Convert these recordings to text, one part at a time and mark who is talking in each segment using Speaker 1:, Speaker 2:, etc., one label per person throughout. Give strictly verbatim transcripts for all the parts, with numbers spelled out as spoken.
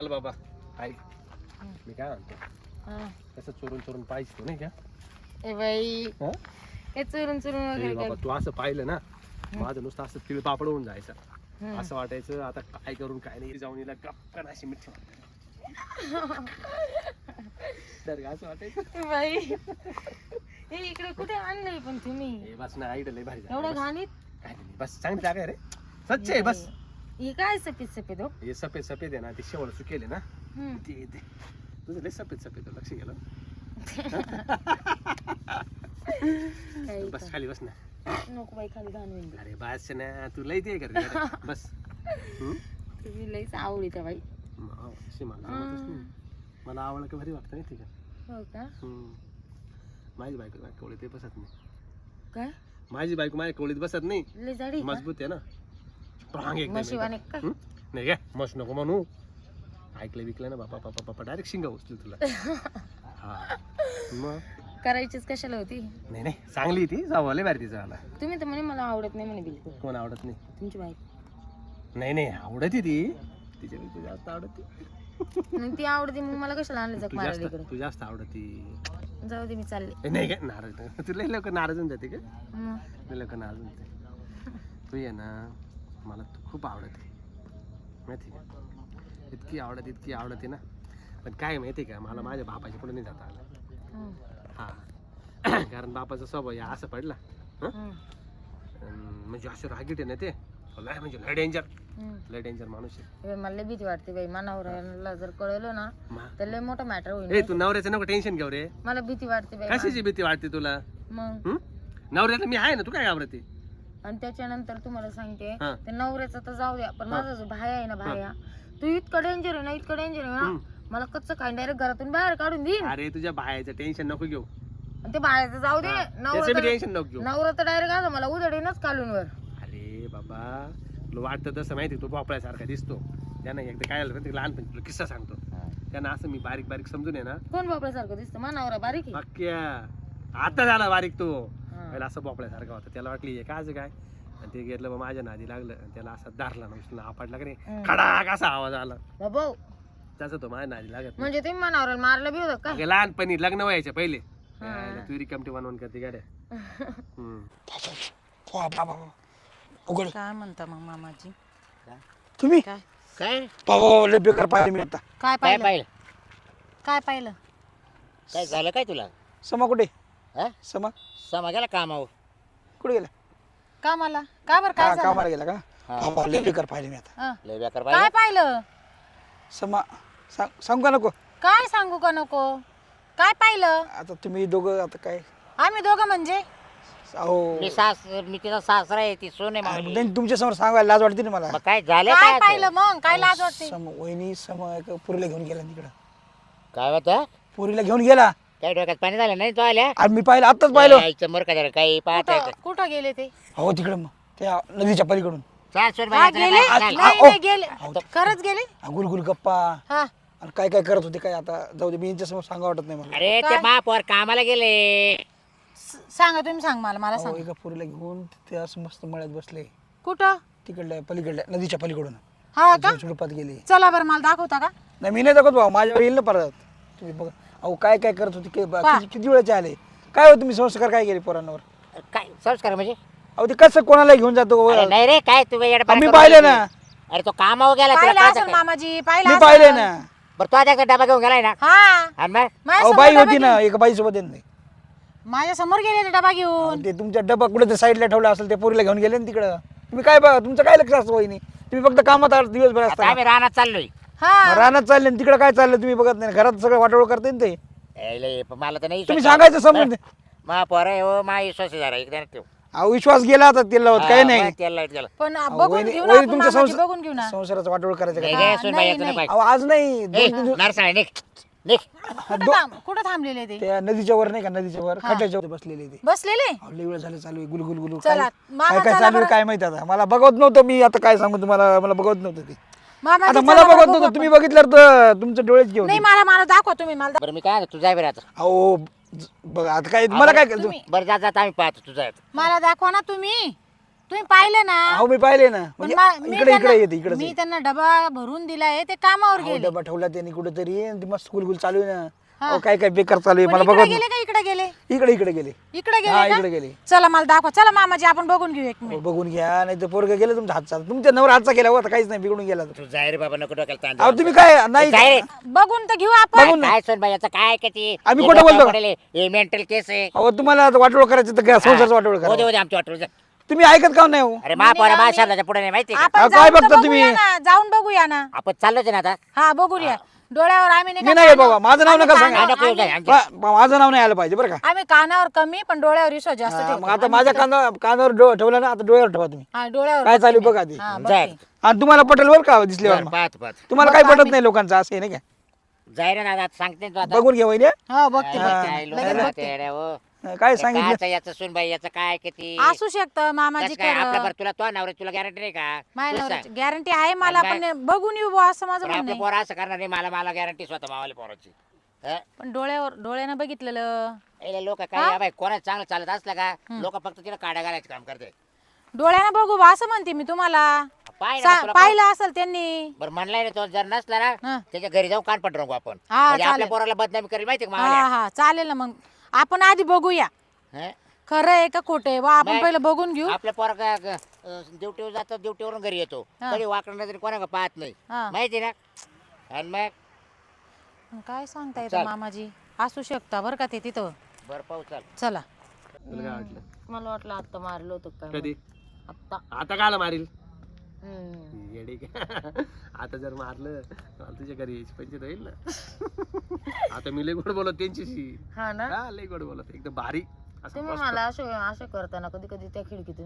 Speaker 1: चल बाबा ऐक मी काय म्हणतो तसं चोरून चोरून पाहिजे तू नाही का
Speaker 2: ए बाई
Speaker 1: हा?
Speaker 2: हे चुरून चुरून
Speaker 1: ए
Speaker 2: वगैरे
Speaker 1: बाबा
Speaker 2: काय?
Speaker 1: तू असं पाहिलं ना माझं नुसतं असं तिळ पापड होऊन जायचं
Speaker 2: हम्म.
Speaker 1: असं वाटायचं आता काय करून काय नाही जाऊन हिला गप्पन अशी मिठी तर असं वाटायचं
Speaker 2: ए बाई हे इकडे कुठे आणलंय पण तुम्ही
Speaker 1: हे बस ना आईडल लय भारी
Speaker 2: एवढं
Speaker 1: झालं.
Speaker 2: घाणीत
Speaker 1: काय नाही, बस चांगली जागा आहे रे स्वच्छ आहे बस
Speaker 2: हे काय सफेद सफेद हो
Speaker 1: हे सफेद सफेद आहे ना ते शेवळ सुकेले ना
Speaker 2: हम्म.
Speaker 1: ते ते तुझं लय सफेद सफेद आहे, लक्ष गेलं
Speaker 2: काही
Speaker 1: बस
Speaker 2: पण.
Speaker 1: खाली बस ना
Speaker 2: नको बाई खाली घाण होईल
Speaker 1: अरे बस ना तू लय ते कर बस हम्म?
Speaker 2: तुम्ही लईच आवडीत बाई
Speaker 1: माव, अशी मला जमतच नाही. मला आवडलं का भारी वाटतं नाही ठीक आहे
Speaker 2: हो का
Speaker 1: हम्म. माझी बायको माझ्या कवळीत बसत नाही
Speaker 2: काय
Speaker 1: माझी बायको माझ्या कवळीत बसत नाही
Speaker 2: लई जाडी
Speaker 1: मजबूत आहे ना स्ट्रॉंग एकदम
Speaker 2: म्हशीवाने
Speaker 1: एकदम.
Speaker 2: काय?
Speaker 1: हम्म? नाही काय मस्त नको म्हणू ऐकलं विकलं ना बापा पापा पापा डायरेक्ट शिंगा उचली तुला हा मग
Speaker 2: करायचीच कशाला होती
Speaker 1: नाही नाही चांगली ती जावले बाहेर तिचा आला
Speaker 2: तुम्ही तर म्हणे मला आवडत नाही म्हणे बिलकुल
Speaker 1: कोण आवडत नाही
Speaker 2: तुमची बाईक
Speaker 1: नाही नाही आवडत ती तिच्या पेक्षा जास्त आवडत
Speaker 2: मग ती आवडते मग मला कशाला आणलं जग
Speaker 1: तू
Speaker 2: मारायला
Speaker 1: जास्त
Speaker 2: इकडे
Speaker 1: तू जास्त आवडती
Speaker 2: जाऊ दे मी चालले
Speaker 1: नाही काय नाराज नाही. तुला लवकर नाराज होऊन जाते का
Speaker 2: मग.
Speaker 1: लय लवकर नाराज होऊन जाते तू ये ना मला तू खूप आवडते माहिती का इतकी आवडत इतकी आवडते ना पण काय माहिती का मला माझ्या बापाच्या पुढे नाही जाता आलं
Speaker 2: हम्म.
Speaker 1: हा कारण बापाचा स्वभाव या असं पडला हं?
Speaker 2: हम्म.
Speaker 1: अन म्हणजे असं रागीट आहे ना ते लय म्हणजे लय डेंजर
Speaker 2: हम्म.
Speaker 1: लय डेंजर माणूस आहे
Speaker 2: बाई, मला लई भीती वाटते बाई मनावर जर कळलं ना
Speaker 1: मा-
Speaker 2: तर लय मोठा मॅटर होईल
Speaker 1: ए तू नवऱ्याचं नको टेन्शन घेऊ रे
Speaker 2: मला भीती वाटते बाई
Speaker 1: कशाची भीती वाटते तुला
Speaker 2: मग
Speaker 1: हं? नवऱ्याला मी आहे ना तू काय घाबरते
Speaker 2: आणि त्याच्यानंतर तुम्हाला सांगते
Speaker 1: हा.
Speaker 2: ते नवऱ्याचं तर जाऊ द्या पण माझा जो भाया आहे ना भाया तू इतकं डेंजर आहे ना इतकं डेंजर आहे
Speaker 1: हं.
Speaker 2: ना मला कच्चं काय डायरेक्ट घरातून बाहेर काढून देईन
Speaker 1: अरे तुझ्या बायाचं टेन्शन नको घेऊ
Speaker 2: आणि ते बाहेरचं जाऊ दे
Speaker 1: त्याचं
Speaker 2: नवरा तर-
Speaker 1: टेन्शन नको घेऊ
Speaker 2: नवरा तर डायरेक्ट असं मला उधडीनच काढून वर
Speaker 1: अरे बाबा तुला वाटतं तसं माहिती तू भोपळ्यासारखा दिसतो त्यानं एकदा काय झालं ते लहानपणी तुला किस्सा सांगतो त्यानं असं मी बारीक बारीक समजून आहे ना
Speaker 2: कोण बापड्यासारखं दिसतं मा नवरा बारीक आहे
Speaker 1: पक्क्या आता झाला बारीक तो
Speaker 2: हा.
Speaker 1: पहिला असं भोपळ्यासारखा होता त्याला वाटली हे काय काय आणि ते घेतलं मग माझ्या नादी लागलं आणि त्याला असं धरला ना आपटला का नाही
Speaker 2: हं.
Speaker 1: खडाक असा आवाज आला
Speaker 2: बाबा
Speaker 1: त्याचा तो माझ्या नादी लागत नाही.
Speaker 2: म्हणजे तुम्ही मा नवऱ्याला मारलं बी होतं का
Speaker 1: अगं लहानपणी लग्न व्हायच्या पहिले
Speaker 2: हा.
Speaker 1: तू रिकमटी बनवून करते गाड्या हम्म.
Speaker 3: उघड
Speaker 4: काय म्हणता मग मामाजी
Speaker 3: तुम्ही
Speaker 4: काय
Speaker 5: काय
Speaker 3: बाबा लय बेकार पाहिजे मी आता
Speaker 4: काय
Speaker 5: काय
Speaker 4: पाहिलं
Speaker 5: पाहिलं
Speaker 4: काय पाहिलं
Speaker 5: काय झालं काय तुला
Speaker 3: समा कुठे
Speaker 5: हा
Speaker 3: समा
Speaker 5: समा गेला कामावर
Speaker 3: कुठे गेला
Speaker 4: का मला का बरं काय
Speaker 3: का
Speaker 4: झालं
Speaker 3: कामाला गेला का
Speaker 5: हा.
Speaker 3: बाबा लय बेकार पाहिजे मी आता
Speaker 4: हं.
Speaker 5: लय बेकार
Speaker 4: काय
Speaker 5: पाहिलं
Speaker 4: पाहिलं
Speaker 3: समा सांग सांगू का नको
Speaker 4: काय सांगू का नको काय पाहिलं
Speaker 3: आता तुम्ही दोघं आता काय
Speaker 4: आम्ही दोघं म्हणजे
Speaker 3: अहो
Speaker 5: मी सास मी तिचा सासरा आहे ती सोन आहे मावली.
Speaker 3: नाही, तुमच्या समोर सांगायला लाज वाटते ना मला
Speaker 5: मग काय झालं
Speaker 4: काय
Speaker 5: काय
Speaker 4: पाहिलं
Speaker 5: आता?
Speaker 4: मग काय लाज वाटते
Speaker 3: सम वहिनी सम एका पुरीला घेऊन गेला तिकडं
Speaker 5: काय होतं
Speaker 3: पुरीला घेऊन गेला
Speaker 5: काय डोक्यात पाणी झालं नाही तो आल्या
Speaker 3: आणि मी पाहिलं आत्ताच पाहिलं
Speaker 5: मर का झालं काही पाहत
Speaker 4: कुठं कुठं गेले ते
Speaker 3: हो तिकडं मग त्या नदीच्या पलीकडून
Speaker 5: चार सोन
Speaker 4: हा गेले नाही नाही गेले खरंच गेले
Speaker 3: हा, गुलगुल गप्पा
Speaker 4: हा
Speaker 3: आणि काय काय करत होते काय आता जाऊ दे मी यांच्या समोर सांगा वाटत नाही मला
Speaker 5: अरे ते
Speaker 4: काय?
Speaker 5: महापौर कामाला गेले
Speaker 4: स- सांगा तुम्ही सांग मला मला
Speaker 3: अहो,
Speaker 4: सांग
Speaker 3: एका पुरीला घेऊन ते असं मस्त मळ्यात बसले
Speaker 4: कुठं
Speaker 3: तिकडल्या पलीकडल्या नदीच्या पलीकडून
Speaker 4: हा का
Speaker 3: झुडपात गेले
Speaker 4: चला बरं मला दाखवता का
Speaker 3: नाही मी नाही दाखवत भाऊ माझ्यावर येईल ना परत तुम्ही बघा अहो काय काय करत होते काय बा-
Speaker 4: पहा.
Speaker 3: किती किती वेळाचे आले काय हो तुम्ही संस्कार काय केले पोरांवर
Speaker 5: काय संस्कार म्हणजे
Speaker 3: अहो ते कसं कोणाला घेऊन जातो
Speaker 5: अरे नाही रे काय तू येडा
Speaker 3: मी
Speaker 5: करून
Speaker 3: पाहिले
Speaker 5: राहिली.
Speaker 3: ना
Speaker 5: अरे तो कामावर गेला तुला
Speaker 4: पाहिलं
Speaker 5: कळतं
Speaker 4: असेल
Speaker 5: काय?
Speaker 4: मामाजी
Speaker 3: मी
Speaker 4: पाहिलं
Speaker 3: पाहिले
Speaker 4: असेल.
Speaker 3: ना
Speaker 5: बरं तो आता डबा घेऊन गेलाय ना
Speaker 4: हा
Speaker 5: आणि मग
Speaker 4: माझ्या
Speaker 3: अहो
Speaker 4: समोर
Speaker 3: बाई
Speaker 4: डबा
Speaker 3: होती ना एका बाई सोबत नाही
Speaker 4: माझ्या समोर गेले ते डबा घेऊन
Speaker 3: ते तुमच्या डबा कुठे तर साईडला ठेवला असेल ते पोरीला घेऊन गेले ना तिकडं तुम्ही काय बघा तुमचं काय लक्ष असतं वहिनी तुम्ही फक्त कामात आहात दिवसभर
Speaker 5: आता
Speaker 3: असता
Speaker 5: आम्ही रानात चाललोय
Speaker 4: हा
Speaker 3: रानात चालले आणि तिकडं काय चाललं तुम्ही बघत नाही घरात सगळं वाटोळ करते ना ते
Speaker 5: ए, लय, पण मला तर नाही
Speaker 3: तुम्ही
Speaker 5: विश्वास.
Speaker 3: सांगायचं समजून
Speaker 5: महापौर आहे हो मा विश्वास जरा एकदा ठेव
Speaker 3: अहो विश्वास गेला आता तिला होत काही नाही
Speaker 5: त्याला लाईट गेला
Speaker 4: पण
Speaker 3: अहो,
Speaker 4: बघून
Speaker 3: वहिनी-
Speaker 4: घेऊ ना
Speaker 3: वहिनी
Speaker 4: आपण
Speaker 3: तुमच्या
Speaker 4: मामाजी,
Speaker 3: संसार-
Speaker 4: बघून घेऊ ना
Speaker 3: संसाराचं वाटोळ करायचं
Speaker 5: नाही
Speaker 3: का
Speaker 5: गे,
Speaker 4: हा,
Speaker 5: सुन
Speaker 4: नाही,
Speaker 5: बाई, तुला
Speaker 4: नाही.
Speaker 5: पाहिजे.
Speaker 3: अहो आज नाही
Speaker 5: ए,
Speaker 3: दोन तीन दिवस
Speaker 5: नरसाळे, निघ निघ
Speaker 4: कुठं थांब- कुठं थांबलेले ते
Speaker 3: त्या नदीच्या वर नाही का नदीच्या वर खड्ड्याच्या वर बसलेले ते
Speaker 4: बसलेले
Speaker 3: अहो, लई वेळ झालं चालू आहे गुलगुल गुलू
Speaker 4: चला,
Speaker 3: काय
Speaker 4: मामा
Speaker 3: काय काय
Speaker 4: चला
Speaker 3: चालू आहे
Speaker 4: बरं.
Speaker 3: काय माहिती आता मला बघत नव्हतं मी आता काय सांगू तुम्हाला मला बघत नव्हतं ते
Speaker 4: मामाजी,
Speaker 3: आता
Speaker 4: चला
Speaker 3: मला
Speaker 4: बरं,
Speaker 3: बघत
Speaker 4: बघू
Speaker 3: नव्हतं तुम्ही बघितलं तर तुमचं डोळेच घेऊन
Speaker 4: नाही मला मला दाखवा तुम्ही मला
Speaker 5: बरं मी काय तू जाय बरं आता
Speaker 3: अहो ज- बघा आता काय मला काय
Speaker 4: तुम्ही-
Speaker 5: बरं जात जात आम्ही पाहतो तुझा
Speaker 4: मला दाखवा ना तुम्ही तुम्ही पाहिलं ना
Speaker 3: अहो मी पाहिले ना
Speaker 4: पण
Speaker 3: म्हणजे
Speaker 4: मा- मी
Speaker 3: इकडे इकडे
Speaker 4: त्यांना-
Speaker 3: येते इकडे
Speaker 4: मी त्यांना डबा भरून दिलाय ते कामावर
Speaker 3: अहो,
Speaker 4: गेले
Speaker 3: डबा ठेवला त्यांनी कुठेतरी आणि ती मस्त स्कूल गुल चालू आहे ना
Speaker 4: हा.
Speaker 3: अहो काय काय बेकार चालू आहे
Speaker 4: पण
Speaker 3: मला
Speaker 4: इकडे
Speaker 3: बघत
Speaker 4: गेले का इकडे गेले
Speaker 3: इकडे इकडे गेले
Speaker 4: इकडे
Speaker 3: हा
Speaker 4: गेले
Speaker 3: इकडे
Speaker 4: का?
Speaker 3: गेले
Speaker 4: चला मला दाखवा चला मामाजी आपण बघून घेऊ एक
Speaker 3: अहो,
Speaker 4: मिनिट
Speaker 3: बघून घ्या नाही तर पोरग गेलं तुमचा हातचा तुमच्या नवर हातचा गेला होता काहीच नाही बिघडून गेला तो.
Speaker 5: तू जाय रे बाबा नको डोक्याला ताण
Speaker 3: अहो
Speaker 5: देऊ.
Speaker 3: तुम्ही काय नाही
Speaker 5: जाय रे.
Speaker 4: बघून तर घेऊ आपण
Speaker 3: बघून
Speaker 5: काय सोन बाई याचं काय का ती
Speaker 3: आम्ही
Speaker 5: हे
Speaker 3: खोटं
Speaker 5: डोक्यावर
Speaker 3: बोलतो का?
Speaker 5: पडेल, हे मेंटल केस आहे
Speaker 3: अहो तुम्हाला आता वाटोळ करायचं तर संसारचं वाटोळ
Speaker 5: हो दे
Speaker 3: करा
Speaker 5: हो दे आमची वाटोळ जा.
Speaker 3: तुम्ही ऐकत का नाही हो
Speaker 5: अरे महापौर महाशालाच्या पुढे नाही माहिती का?
Speaker 4: आपण
Speaker 3: अहो, काय
Speaker 4: जाऊन तर
Speaker 3: बघता
Speaker 4: बघूया
Speaker 3: तुम्ही?
Speaker 4: ना, जाऊन बघूया ना
Speaker 5: आपण चाललोच आहे ना आता
Speaker 4: हा बघूया डोळ्यावर आम्ही नाही
Speaker 3: मी
Speaker 4: का
Speaker 3: नाही येत
Speaker 4: कानावर-
Speaker 3: बाबा माझं नाव
Speaker 4: आम्ही
Speaker 3: नका
Speaker 4: कानावर-
Speaker 3: सांगा
Speaker 5: नको येऊ जाय, आमची-
Speaker 3: बा- माझं नाव नाही आलं पाहिजे बरं का
Speaker 4: आम्ही कानावर कमी पण डोळ्यावर विश्वास जास्त
Speaker 3: हा,
Speaker 4: ठेवतो.
Speaker 3: मग आता माझ्या काना कानावर डो- ठेवला ना आता डोळ्यावर ठेवा तुम्ही
Speaker 4: हा डोळ्यावर
Speaker 3: काय चालू
Speaker 4: बघते
Speaker 3: बघा
Speaker 4: मी.
Speaker 3: आधी
Speaker 4: हा,
Speaker 5: जाय.
Speaker 4: बघते.
Speaker 3: आणि तुम्हाला पटेल बरं का दिसल्यावर
Speaker 5: बरं,
Speaker 3: मग.
Speaker 5: पाहत पाहत
Speaker 3: तुम्हाला
Speaker 4: मग
Speaker 3: काय पटत
Speaker 4: आम्ही-
Speaker 3: नाही लोकांचं असं आहे नाही का
Speaker 5: जाय रे दादा आता सांगते ना तू आता
Speaker 3: बघून घ्या वहिनी
Speaker 4: हो बघते
Speaker 5: काय
Speaker 4: बघते.
Speaker 5: काय लोक
Speaker 4: लगेच
Speaker 5: राहते
Speaker 4: बघते.
Speaker 5: येड्या, हो.
Speaker 3: काय
Speaker 5: हे
Speaker 3: सांगितलं
Speaker 5: कायचं याचं सुन बाई याचं काय किती
Speaker 4: असू शकतं मामाजी
Speaker 5: काय आपल्या
Speaker 4: खरं
Speaker 5: बरं तुला तो नवरा तुला गॅरंटी नाही का तूच
Speaker 4: माझ्या
Speaker 5: सांग.
Speaker 4: गॅरंटी आहे मला
Speaker 5: आणि
Speaker 4: पण बघून येऊ बुवा असं माझं
Speaker 5: पण
Speaker 4: म्हणणं
Speaker 5: आपल्या
Speaker 4: आहे.
Speaker 5: पोरा असं करणार नाही मला मला गॅरंटी स्वतः मावाल्या पोराची हं?
Speaker 4: पण डोळ्यावर डोळ्यानं बघितलेलं
Speaker 5: हे लोक काय बाई कोणाच चांगलं चालत असलं का लोक फक्त तिला काड्या घालायचं काम करते
Speaker 4: डोळ्यानं बघू बुवा असं म्हणते मी तुम्हाला
Speaker 5: पाय ना
Speaker 4: सा-
Speaker 5: तुला
Speaker 4: पाहिलं असेल त्यांनी
Speaker 5: बरं म्हणलाय ना तो जर नसला ना
Speaker 4: हं.
Speaker 5: त्याच्या घरी जाऊन कान पड रंगू आपण
Speaker 4: हा,
Speaker 5: म्हणजे आपल्या
Speaker 4: चालेल.
Speaker 5: पोराला बदनामी करी माहिती का
Speaker 4: हा
Speaker 5: मावाल्या
Speaker 4: हा चालेल ना मग आपण आधी बघूया
Speaker 5: हं?
Speaker 4: खरं आहे का खोटं आहे बुवा आपण
Speaker 5: नाही.
Speaker 4: पहिलं बघून घेऊ
Speaker 5: आपल्या पोरा ड्युटीवर जातो ड्युटीवरून घरी येतो
Speaker 4: हा.
Speaker 5: कधी वाकडं नजर कोणा पाहत नाही
Speaker 4: हा.
Speaker 5: माहिती ना आणि मग
Speaker 4: काय सांगता
Speaker 5: चल.
Speaker 4: येतं मामाजी असू शकता बरं का ते तिथं
Speaker 5: बरं पाहू चाल
Speaker 4: चला
Speaker 1: तुला काय वाटलं
Speaker 2: मला वाटलं आता मारलं होतं काय
Speaker 1: कधी
Speaker 2: आता
Speaker 1: आता काला मारील
Speaker 2: हम्म.
Speaker 1: येडे का आता जर मारलं तर मला तुझ्या घरी यायची पंचायत होईल ना आता मी लय गोड बोलत त्यांच्याशी
Speaker 2: हा ना
Speaker 1: हा लय गोड बोलत एकदम भारी असं
Speaker 2: तुम्ही
Speaker 1: मस्त.
Speaker 2: मला असं असं करताना कधी कधी त्या खिडकीतून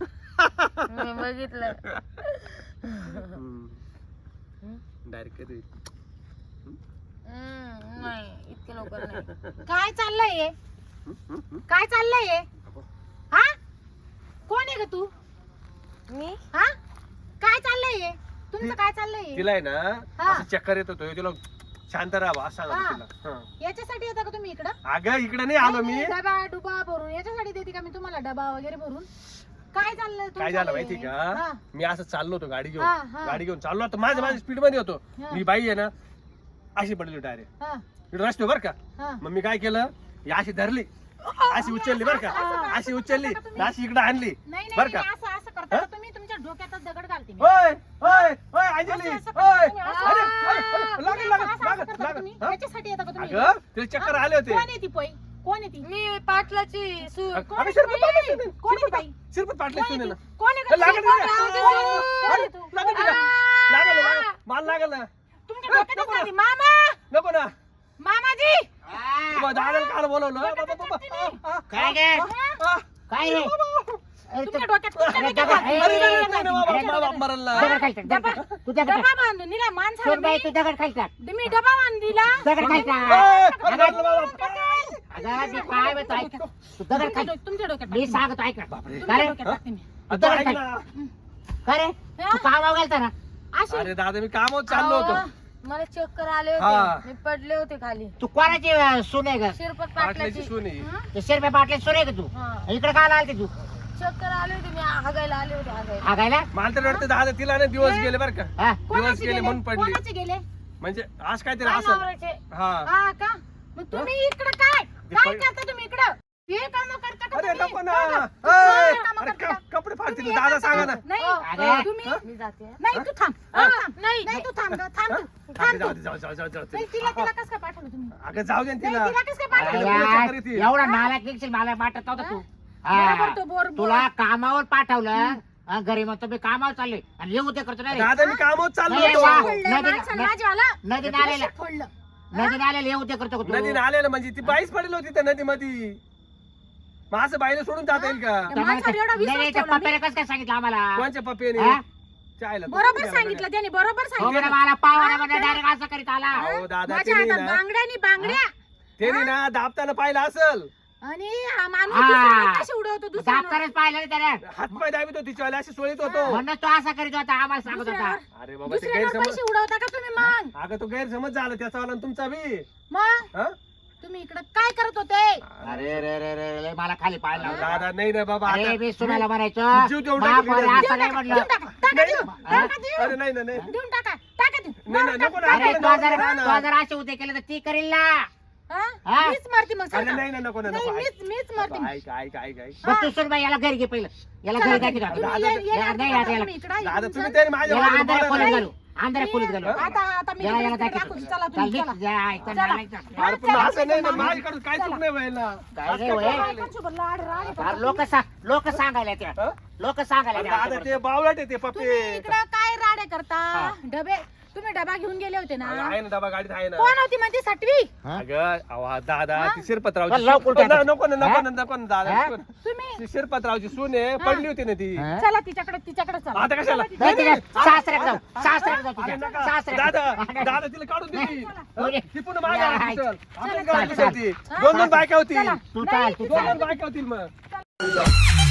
Speaker 2: मी बघितलं
Speaker 1: डायरेक्ट कधी
Speaker 2: हम्म, नाही इतके लवकर नाही
Speaker 4: काय चाललंय हे? काय चाललंय हे? हा कोण आहे ग तू
Speaker 2: मी
Speaker 4: हा काय चाललंय हे? तुमचं काय चाललंय हे?
Speaker 1: तिला आहे ना
Speaker 4: हा.
Speaker 1: असं चक्कर येत होतो तिला शांत राहावं असं सांगत
Speaker 4: हा.
Speaker 1: तिला हा.
Speaker 4: याच्यासाठी येता का तुम्ही इकडं
Speaker 1: अगं इकडे नाही आलो मी
Speaker 4: नाही, नाही, डबा डुबा भरून याच्यासाठी देते का मी तुम्हाला डबा वगैरे भरून काय चाललंय तुमचं
Speaker 1: काय झालं
Speaker 4: हे?
Speaker 1: माहिती
Speaker 4: हा.
Speaker 1: का मी असं चाललो होतो गाडी
Speaker 4: हा,
Speaker 1: घेऊन
Speaker 4: हा.
Speaker 1: गाडी घेऊन चाललो होतो माझ्या माझ्या स्पीड मध्ये होतो
Speaker 4: हा.
Speaker 1: मी बाई आहे ना अशी पडली डायरेक्ट
Speaker 4: हा,
Speaker 1: रस्ते बर का
Speaker 4: हा.
Speaker 1: मग मी काय केलं ही अशी धरली अशी उचलली बर का अशी उचलली अशी इकडे आणली
Speaker 4: नाही नाही
Speaker 1: बर का
Speaker 4: नाही, असं असं करता का तुम्ही तुमच्या डोक्यातच दगड घालते मी.
Speaker 1: ओय ओय ओय अंजली
Speaker 4: असं
Speaker 1: ओय
Speaker 4: करता तुम्ही, असं-
Speaker 1: अरे,
Speaker 4: हा,
Speaker 1: अरे,
Speaker 4: तुम्ही
Speaker 1: लागल
Speaker 4: असं-
Speaker 1: लागल
Speaker 4: असं
Speaker 1: लागल
Speaker 4: करता का तुम्ही?
Speaker 1: लागल हा?
Speaker 4: याच्यासाठी येता का तुम्ही
Speaker 1: अगं तिला चक्कर आले होते
Speaker 4: कोण आहे ती पै कोण आहे ती
Speaker 2: मी पाटलाची सु
Speaker 4: कोण
Speaker 1: अगं
Speaker 4: आहे
Speaker 1: शिरपत
Speaker 4: ती
Speaker 1: पाटले
Speaker 4: बाई?
Speaker 1: सुने.
Speaker 4: कोण आहे ती बाई?
Speaker 1: शिरपत पाटले
Speaker 4: कोण आहे
Speaker 1: सुने
Speaker 4: ती?
Speaker 1: ना
Speaker 4: कोण आहे का ती?
Speaker 1: लागल
Speaker 4: कोण
Speaker 1: तिला.
Speaker 4: आहे ती? कोण आहे तू?
Speaker 1: लागल तिला.
Speaker 4: आ,
Speaker 1: लागल लागल माल लागल ना
Speaker 4: तुमच्या डोक्यातच घाली. मामा
Speaker 1: नको ना
Speaker 4: मामाजी
Speaker 1: तुम्हाला दादाला काल बोलवलं बाबा बाबा आ, आ,
Speaker 5: काय गे
Speaker 1: आ,
Speaker 5: काय रे
Speaker 4: तुमच्या डोक्यात तुमच्या
Speaker 5: अरे,
Speaker 4: डोक्यात
Speaker 5: दगड-
Speaker 4: घाली.
Speaker 1: अरे, नाही, नाही,
Speaker 4: तुमच्या
Speaker 1: नाही, बाबा,
Speaker 4: डोक्यात
Speaker 1: बाबा,
Speaker 4: घाली.
Speaker 1: मरला.
Speaker 5: दगड खाली टाक, दगड खाली. तू दगड
Speaker 4: डबा
Speaker 5: टाक.
Speaker 4: बांधून दिला माणसाला
Speaker 5: सोड बाई
Speaker 4: मी.
Speaker 5: तू दगड खाली टाक.
Speaker 4: मी डबा बांधून दिला
Speaker 5: दगड खाली टाक.
Speaker 1: ए, अरे, मरला बाबा.
Speaker 5: अगं, मी काय म्हणतो ऐक तू दगड
Speaker 4: तुमच्या
Speaker 5: खाली
Speaker 4: डो- तुमच्या डोक्यात
Speaker 5: मी
Speaker 4: टाकते.
Speaker 5: सांगतो ऐक
Speaker 4: तुमच्या
Speaker 5: काय रे
Speaker 4: डोक्यात टाकते मी.
Speaker 5: तू
Speaker 1: आता
Speaker 5: दगड
Speaker 1: ऐक
Speaker 5: खाली
Speaker 1: ना.
Speaker 5: काय रे तू कामावर गेलता ना
Speaker 4: अशी
Speaker 1: अरे दादा मी कामावर चाललो होतो
Speaker 2: अहो, मला चक्कर आले
Speaker 1: हा.
Speaker 2: होते मी पडले होते खाली
Speaker 5: तू कोणाची अं, सून आहे ग
Speaker 2: शिरपत
Speaker 1: पाटल्याची
Speaker 2: पाटलाची
Speaker 1: सुनी
Speaker 5: ते शेरपे पाटले सून आहे का तू
Speaker 2: हा.
Speaker 5: इकडे काय आलते तू
Speaker 2: चक्कर आले होते मी हागायला आले होते हागायला
Speaker 5: हागायला
Speaker 1: मला तर वाटतं दादा तिला ना दिवस गेले बरं का
Speaker 5: हा
Speaker 1: दिवस
Speaker 4: कोणाचे
Speaker 1: गेले
Speaker 4: गेले
Speaker 1: म्हणून पडली
Speaker 4: कोणाचे गेले
Speaker 1: म्हणजे आज काहीतरी
Speaker 2: काय
Speaker 1: असं
Speaker 2: नवऱ्याचे?
Speaker 1: हा
Speaker 4: हा का मग तुम्ही इकडे काय
Speaker 1: ते
Speaker 4: काय
Speaker 1: पै-
Speaker 4: करता तुम्ही इकडं हे काम करता का
Speaker 1: अरे
Speaker 4: तुम्ही?
Speaker 1: नको ना
Speaker 4: बघा,
Speaker 1: ए,
Speaker 4: तुम्ही कामं
Speaker 1: अरे
Speaker 4: करता
Speaker 1: क-
Speaker 4: का?
Speaker 1: कपडे फाडतील
Speaker 4: तुम्ही
Speaker 1: दादा
Speaker 4: हे
Speaker 1: सांगा ना
Speaker 4: करता? नाही
Speaker 5: अरे.
Speaker 4: तुम्ही
Speaker 2: मी जाते हा.
Speaker 4: नाही तू थांब
Speaker 2: हा.
Speaker 4: तू थांब.
Speaker 2: नाही.
Speaker 4: नाही तू थांब ग, थांब तू.
Speaker 1: अगं,
Speaker 4: थांब
Speaker 1: जाऊ
Speaker 4: तू.
Speaker 1: दे, जाऊ जाऊ जाऊ जाऊ
Speaker 4: नाही,
Speaker 1: दे.
Speaker 4: तिला तिला कसं काय पाठवलं तुम्ही
Speaker 1: अगं जाऊ दे ना
Speaker 4: नाही,
Speaker 1: तिला
Speaker 4: तिला कसं काय
Speaker 5: अरे
Speaker 4: पाठवलं
Speaker 1: तुला
Speaker 5: यार,
Speaker 1: चक्कर येते.
Speaker 5: एवढा नालायक निघशील मला वाटत नव्हता तू
Speaker 4: बरोबर
Speaker 5: हा.
Speaker 4: तो बोर बोर.
Speaker 5: तुला कामावर पाठवलं हा, घरी मग तुम्ही कामावर चालले आणि येऊ ते करतो ना रे.
Speaker 1: दादा मी कामावर चाललो
Speaker 5: नाही,
Speaker 1: होतो
Speaker 5: वा.
Speaker 4: फोडलंय
Speaker 5: नदी-
Speaker 4: माणसानं
Speaker 5: नदी-
Speaker 4: माझ्यावाला.
Speaker 5: नदी
Speaker 4: तुला
Speaker 5: नाल्याला
Speaker 4: फोडलं.
Speaker 5: नदी नाल्याला येऊ ते करतो का तू
Speaker 1: नदीने आलेलं म्हणजे ती बाईच पडेल होती त्या नदीमध्ये मग असं बाईला सोडून जाता येईल का
Speaker 4: त्या माणसावर एवढा
Speaker 5: नाही,
Speaker 4: विश्वास
Speaker 5: नाही, त्या
Speaker 4: ठेवला मी.
Speaker 5: पप्पाने कसं काय सांगितलं आम्हाला
Speaker 1: कोणच्या पप्पीने
Speaker 5: हा?
Speaker 1: चायला
Speaker 4: बरोबर सांगितलं त्याने बरोबर
Speaker 5: हो
Speaker 4: सांगितलं
Speaker 5: बरं, मला पावा डायरेक्ट असं करीत आला
Speaker 1: अहो दादा
Speaker 4: माझ्या
Speaker 1: त्याने
Speaker 4: हातात
Speaker 1: ना
Speaker 4: बांगड्यानी बांगड्या
Speaker 1: त्याने ना दाबताना पाहिलं असल
Speaker 4: आणि हा माणूस
Speaker 5: हा.
Speaker 4: दुसऱ्यावर कशी उडवतो दुसऱ्यावर?
Speaker 5: दाप्तरच पाहिलं ना त्याने
Speaker 1: हातपाय दाबीत होती चॉयला अशी सोळीत होतो
Speaker 5: म्हणून तो असा करीत होता आम्हाला सांगत होता
Speaker 4: दुसऱ्यावर
Speaker 1: अरे बाबा ते
Speaker 4: दुसऱ्यावर
Speaker 1: गैरसमज
Speaker 4: पैसे उडवता का तुम्ही मग
Speaker 1: अगं तो गैरसमज झाला त्याचा वाला आणि तुमचा बी
Speaker 4: मग
Speaker 1: हा
Speaker 4: तुम्ही इकडे काय करत होते?
Speaker 5: अरे रे रे रे रे, मला खाली पाहायला लावलं.
Speaker 1: दादा नाही ना बाबा
Speaker 5: अरे
Speaker 1: आता
Speaker 5: मी सुनायला म्हणायचो
Speaker 1: जीव देऊन
Speaker 5: बाप
Speaker 1: टाकली
Speaker 5: अरे
Speaker 1: ना.
Speaker 5: असं नाही म्हणलं.
Speaker 4: देऊन टाका टाका देऊ
Speaker 5: हा?
Speaker 4: टाका देऊ
Speaker 1: अरे नाही ना नाही
Speaker 4: देऊन टाका टाका देऊ
Speaker 1: नाही ना नको ना
Speaker 5: अरे
Speaker 1: नको
Speaker 5: तो
Speaker 1: ना,
Speaker 5: जर
Speaker 1: नको ना.
Speaker 5: तो जर असे उद्या केलं तर ती करेल ना.
Speaker 4: हा?
Speaker 5: हा?
Speaker 4: मीच मारती मग
Speaker 1: अरे
Speaker 4: सरका.
Speaker 1: नाही ना नको ना
Speaker 4: नाही
Speaker 1: नको
Speaker 4: मीच मीच मारती मग.
Speaker 1: काय काय काय काय
Speaker 5: बघ तू सुन बाई, याला घरी घे पहिलं. याला
Speaker 4: चला
Speaker 5: घरी
Speaker 4: तुम्ही,
Speaker 5: दाखव.
Speaker 4: तुम्ही
Speaker 1: दादा-
Speaker 4: ये- ये-
Speaker 5: याला- नाही,
Speaker 4: आता
Speaker 5: याला-
Speaker 4: तुम्ही इकडं
Speaker 1: दादा
Speaker 4: येऊन
Speaker 1: तुम्ही
Speaker 4: जा.
Speaker 1: तरी माझ्या
Speaker 5: याला
Speaker 1: बाजूला
Speaker 5: आंधळ्या
Speaker 1: बोला
Speaker 5: खोलीत
Speaker 1: ना.
Speaker 5: घालू. आंधळ्या खोलीत घालू.
Speaker 4: आता आता मी
Speaker 5: याला याला
Speaker 4: इकडे
Speaker 5: दाखव.
Speaker 4: दाखवते. चला
Speaker 5: चल
Speaker 4: तुम्ही
Speaker 5: निघ,
Speaker 4: चला.
Speaker 5: जा, इथं
Speaker 4: चला.
Speaker 5: नाही जात.
Speaker 1: अरे पण असं नाही ना माझ्याकडून काय चूक नाही व्हायला
Speaker 5: काय नाही होय.
Speaker 4: बायकांसोबत लाड राड करता.
Speaker 5: फार लोक सांग लोक सांगायला त्या
Speaker 1: हं?
Speaker 5: लोक सांगायला
Speaker 1: अरे
Speaker 5: त्या
Speaker 1: दादा ते बावळट आहे ते
Speaker 4: तुम्ही
Speaker 1: पप्पे
Speaker 4: इकडे काय राडे करता? डबे तुम्ही डबा घेऊन गेले होते ना?
Speaker 1: आहे ना डबा गाडीत आहे ना
Speaker 4: कोण होती म्हणते सटवी?
Speaker 5: हा?
Speaker 1: अगं अहो, दादा
Speaker 4: हा?
Speaker 1: ती शिरपतरावची
Speaker 5: पण लवकर
Speaker 1: सून-
Speaker 5: टाका.
Speaker 1: नको ना नको
Speaker 5: हा?
Speaker 1: ना नको ना दादा
Speaker 5: हा?
Speaker 1: नको ना.
Speaker 4: तुम्ही
Speaker 1: ती शिरपतरावची सून आहे पडली होती ना ती
Speaker 5: हा?
Speaker 4: चला तिच्याकडे तिच्याकडे चला.
Speaker 1: आता कशाला
Speaker 5: नाही, तिच्या सासऱ्याकडे जाऊ सासऱ्याकडे जाऊ
Speaker 1: अरे
Speaker 5: तुझ्या.
Speaker 1: नका.
Speaker 5: सासऱ्याकडे.
Speaker 1: दादा दादा तिला काढून दिली
Speaker 5: कोणी?
Speaker 1: ती पुन्हा माझ्या
Speaker 5: या,
Speaker 1: घरात घुसल. आपल्या
Speaker 5: चला,
Speaker 1: घरात
Speaker 5: चला.
Speaker 1: घुसल ती. दोन दोन बायका होती
Speaker 4: चला.
Speaker 5: तू चाल तू
Speaker 1: दोन
Speaker 5: चाल
Speaker 1: दोन बायका होतील मग